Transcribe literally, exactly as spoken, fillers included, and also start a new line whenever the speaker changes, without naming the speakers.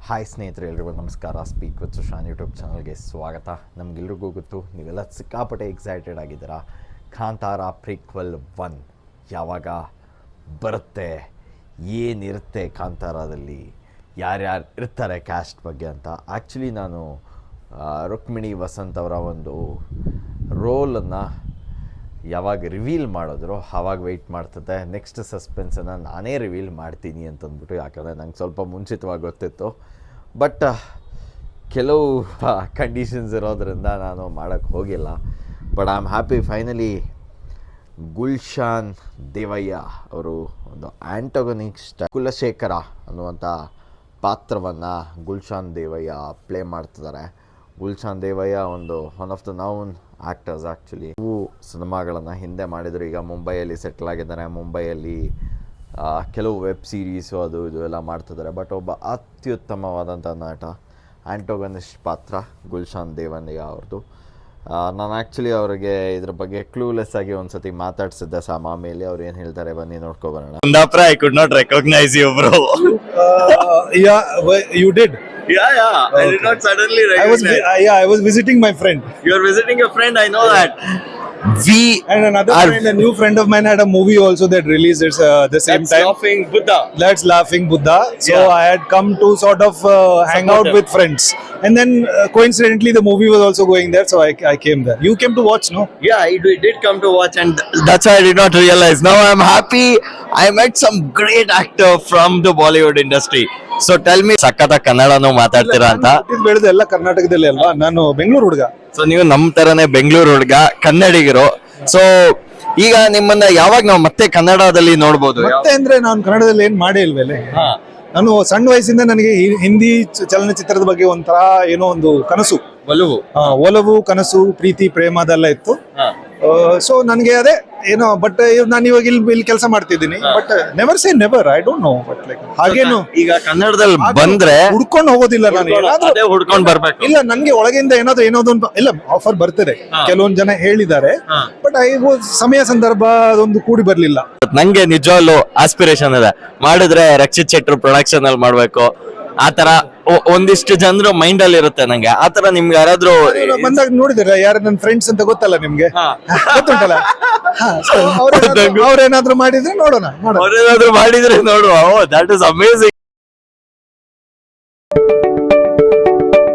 Hi ಸ್ನೇಹಿತರೆ, ಎಲ್ರಿಗೂ ನಮಸ್ಕಾರ. ಸ್ಪೀಕ್ ವಿತ್ ಸುಶಾಂತ್ ಯೂಟ್ಯೂಬ್ ಚಾನಲ್ಗೆ ಸ್ವಾಗತ. ನಮಗೆಲ್ರಿಗೂ ಗೊತ್ತು, ನೀವೆಲ್ಲ ಸಿಕ್ಕಾಪಟ್ಟೆ ಎಕ್ಸೈಟೆಡ್ ಆಗಿದ್ದೀರಾ. ಕಾಂತಾರ ಪ್ರೀಕ್ವೆಲ್ ಒನ್ ಯಾವಾಗ ಬರುತ್ತೆ, ಏನಿರುತ್ತೆ ಕಾಂತಾರದಲ್ಲಿ, ಯಾರ್ಯಾರು ಇರ್ತಾರೆ ಕ್ಯಾಸ್ಟ್ ಬಗ್ಗೆ ಅಂತ. ಆ್ಯಕ್ಚುಲಿ ನಾನು ರುಕ್ಮಿಣಿ ವಸಂತ್ ಅವರ ಒಂದು ರೋಲನ್ನು ಯಾವಾಗ ರಿವೀಲ್ ಮಾಡಿದ್ರು ಆವಾಗ ವೆಯ್ಟ್ ಮಾಡ್ತಿದ್ದೆ. ನೆಕ್ಸ್ಟ್ ಸಸ್ಪೆನ್ಸನ್ನು ನಾನೇ ರಿವೀಲ್ ಮಾಡ್ತೀನಿ ಅಂತಂದ್ಬಿಟ್ಟು, ಯಾಕಂದರೆ ನಂಗೆ ಸ್ವಲ್ಪ ಮುಂಚಿತವಾಗಿ ಗೊತ್ತಿತ್ತು. ಬಟ್ ಕೆಲವು ಕಂಡೀಷನ್ಸ್ ಇರೋದರಿಂದ ನಾನು ಮಾಡೋಕ್ಕೆ ಹೋಗಿಲ್ಲ. But I am happy finally Gulshan Devaiah ಅವರು ಒಂದು ಆ್ಯಂಟೋಗನಿಸ್ಟ್ ಕುಲಶೇಖರ ಅನ್ನುವಂಥ ಪಾತ್ರವನ್ನು ಗುಲ್ಶಾನ್ ದೇವಯ್ಯ ಪ್ಲೇ ಮಾಡ್ತಿದ್ದಾರೆ. ಗುಲ್ಶಾನ್ ದೇವಯ್ಯ ಒಂದು one of the known actors. Actually ಇವು ಸಿನಿಮಾಗಳನ್ನು ಹಿಂದೆ ಮಾಡಿದರು, ಈಗ ಮುಂಬೈಯಲ್ಲಿ ಸೆಟ್ಲ್ ಆಗಿದ್ದಾರೆ. ಮುಂಬೈಯಲ್ಲಿ ಕೆಲವು ವೆಬ್ ಸೀರೀಸು ಅದು ಇದು ಎಲ್ಲ ಮಾಡ್ತಿದ್ದಾರೆ. ಬಟ್ ಒಬ್ಬ ಅತ್ಯುತ್ತಮವಾದಂಥ ನಟ, ಆ್ಯಂಟೋಗನಿಸ್ಟ್ ಪಾತ್ರ ಗುಲ್ಶಾನ್ ದೇವಯ್ಯ ಅವ್ರದ್ದು. ನಾನು ಆ್ಯಕ್ಚುಲಿ ಅವರಿಗೆ ಇದ್ರ ಬಗ್ಗೆ ಕ್ಲೂಲೆಸ್ ಆಗಿ ಒಂದು ಸತಿ ಮಾತಾಡ್ಸಿದ್ದೆ ಸಾಮ. ಮೇಲೆ ಅವ್ರು ಏನು ಹೇಳ್ತಾರೆ ಬನ್ನಿ ನೋಡ್ಕೊಬರೋಣ.
Kundapra, I could not recognize you, bro.
Uh, yeah, well, you did.
Yeah, yeah. Okay. I did not suddenly recognize.
I was, vi- uh, yeah, I was visiting my friend.
You are visiting a friend, I know that. We
And another
are
friend, a new friend of mine, had a movie also that released at uh, the same
that's
time.
laughing Buddha.
That's Laughing Buddha. So
Yeah.
I had come to sort of uh, hang
Support
out
them.
with friends. And then uh, coincidentally, the movie was also going there, so I, I came there. You came to watch, no?
Yeah, I did did come to watch, and that's why I did not realize. Now I'm happy. I met some great actor from the Bollywood industry. So tell me, ಸಕ್ಕತ್ತ ಕನ್ನಡನೂ ಮಾತಾಡ್ತೀರಾ ಅಂತ.
ನಾನು ಹುಟ್ಟಿದ್ದು ಬೆಳೆದು ಎಲ್ಲ ಕರ್ನಾಟಕದಲ್ಲಿ ಅಲ್ವಾ, ನಾನು ಬೆಂಗಳೂರು ಹುಡುಗ.
ಸೊ ನೀವು ನಮ್ಮ ತರನೇ ಬೆಂಗಳೂರು ಹುಡುಗ, ಕನ್ನಡಿಗರು. ಸೊ ಈಗ ನಿಮ್ಮನ್ನ ಯಾವಾಗ ನಾವು ಮತ್ತೆ ಕನ್ನಡದಲ್ಲಿ ನೋಡ್ಬೋದು?
ಮತ್ತೆ ಅಂದ್ರೆ ನಾನು ಕನ್ನಡದಲ್ಲಿ ಏನ್ ಮಾಡೇ ಇಲ್ವೇಲೆ. ನಾನು ಸಣ್ಣ ವಯಸ್ಸಿಂದ ನನಗೆ ಹಿ- ಹಿಂದಿ ಚ- ಚಲನಚಿತ್ರದ ಬಗ್ಗೆ ಒಂಥರ ಏನೋ ಒಂದು ಕನಸು,
ಒಲವು.
ಆ, ಒಲವು, ಕನಸು, ಪ್ರೀತಿ, ಪ್ರೇಮ ಅದೆಲ್ಲ ಇತ್ತು. ಸೊ ನನಗೆ ಅದೇ ಏನೋ, ಬಟ್ ನಾನು ಇವಾಗ ಇಲ್ಲಿ ಇಲ್ಲಿ ಕೆಲಸ ಮಾಡ್ತಿದ್ದೀನಿ. But never say never, I don't know. But like ಹಾಗೇನು
ಈಗ ಕನ್ನಡದಲ್ಲಿ ಬಂದ್ರೆ
ಹುಡ್ಕೊಂಡು ಹೋಗೋದಿಲ್ಲ ನಾನು. ಏನಾದ್ರೂ
ಅದೇ ಹುಡ್ಕೊಂಡ್ ಬರ್ಬೇಕು.
ಇಲ್ಲ, ನನ್ಗೆ ಒಳಗಿಂದ ಏನಾದ್ರು ಏನಾದ್ರು ಒಂದು ಇಲ್ಲ ಆಫರ್ ಬರ್ತಿದೆ. ಕೆಲವೊಂದ್ ಜನ ಹೇಳಿದ್ದಾರೆ, ಬಟ್ ಐ ಸಮಯ ಸಂದರ್ಭ ಅದೊಂದು ಕೂಡಿ ಬರ್ಲಿಲ್ಲ.
ನಂಗೆ ನಿಜವಾಗ್ಲು ಆಸ್ಪಿರೇಷನ್ ಇದೆ, ಮಾಡಿದ್ರೆ ರಕ್ಷಿತ್ ಶೆಟ್ರು ಪ್ರೊಡಕ್ಷನ್ ಅಲ್ಲಿ ಮಾಡ್ಬೇಕು. ಆತರ ಒ- ಒಂದಿಷ್ಟು ಜನರು ಮೈಂಡ್ ಅಲ್ಲಿ ಇರುತ್ತೆ ನಂಗೆ. ಆತರ ನಿಮ್ಗೆ ಯಾರಾದ್ರೂ
ನಾನು ಬಂದಾಗ ನೋಡಿದಿರ ಯಾರು ನನ್ನ ಫ್ರೆಂಡ್ಸ್ ಅಂತ ಗೊತ್ತಲ್ಲ ನಿಮ್ಗೆ, ಗೊತ್ತುಂಟಲ್ಲ. ಹಾ, so ಅವ್ರೇನಾದ್ರು- ಅವ್ರೇನಾದ್ರು ಮಾಡಿದ್ರೆ ನೋಡೋಣ ನೋಡೋಣ.
ಅವ್ರೇನಾದ್ರು ಮಾಡಿದ್ರೆ ನೋಡುವ. Oh, that is amazing.